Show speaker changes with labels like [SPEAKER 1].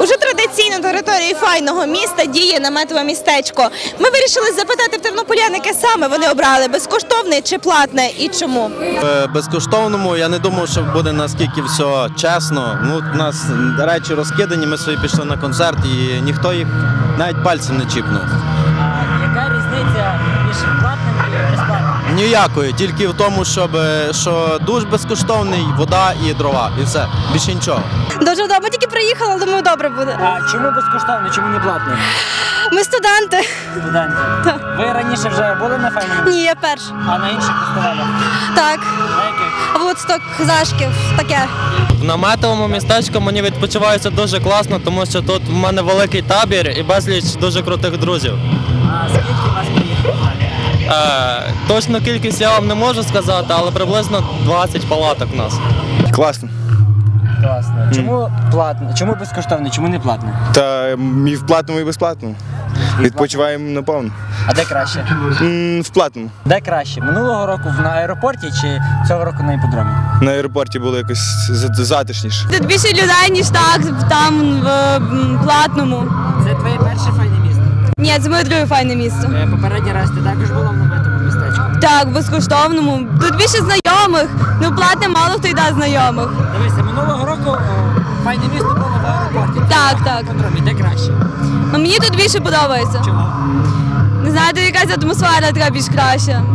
[SPEAKER 1] Уже традиційно на території файного міста діє наметове містечко. Ми вирішили запитати в тернополян, яке саме вони обрали – безкоштовне чи платне і чому?
[SPEAKER 2] Безкоштовному я не думав, що буде наскільки все чесно. У нас речі розкидані, ми собі пішли на концерт і ніхто їх навіть пальцем не чіпнув.
[SPEAKER 3] А яка різниця між платним і безплатним?
[SPEAKER 2] Ніякої, тільки в тому, що душ безкоштовний, вода і дрова. І все, більше нічого.
[SPEAKER 1] Дуже добре, ми тільки приїхали, думаю, добре буде.
[SPEAKER 3] А чому безкоштовно, чому не платно?
[SPEAKER 1] Ми студенти.
[SPEAKER 3] Студенти.
[SPEAKER 1] Так.
[SPEAKER 3] Ви раніше вже були на файному?
[SPEAKER 1] Ні, я перша.
[SPEAKER 3] А на інших фестивалях?
[SPEAKER 1] Так.
[SPEAKER 3] На яких?
[SPEAKER 1] Вудсток, Зашків, таке.
[SPEAKER 4] В наметовому містечку мені відпочивається дуже класно, тому що тут в мене великий табір і безліч дуже крутих друзів.
[SPEAKER 3] А скільки вас приїхало?
[SPEAKER 4] Точну кількість я вам не можу сказати, але приблизно 20 палаток у нас.
[SPEAKER 5] Класно.
[SPEAKER 3] Класно. Чому платно? Чому безкоштовно? Чому не платно?
[SPEAKER 5] Та і в платному, і безплатному. Відпочиваємо наповну.
[SPEAKER 3] А де краще?
[SPEAKER 5] В платному.
[SPEAKER 3] Де краще? Минулого року на аеропорті чи цього року на іпподромі?
[SPEAKER 5] На аеропорті було якось затишніше.
[SPEAKER 1] Тут більше людей, ніж там в платному.
[SPEAKER 3] Це твоє перше файне місто?
[SPEAKER 1] Ні, це моє друге файне місто.
[SPEAKER 3] Попередній раз ти також була в наметовому містечку?
[SPEAKER 1] Так, в безкоштовному. Тут більше знайомих, платне мало хто йде знайомих.
[SPEAKER 3] Дивися, минулого року файне місто було в аеропорті.
[SPEAKER 1] Так,
[SPEAKER 3] На
[SPEAKER 1] так.
[SPEAKER 3] іпподромі. Де краще?
[SPEAKER 1] Мені тут більше подобається.
[SPEAKER 3] Чому?
[SPEAKER 1] Не знаю, тут якась атмосфера така більш краща.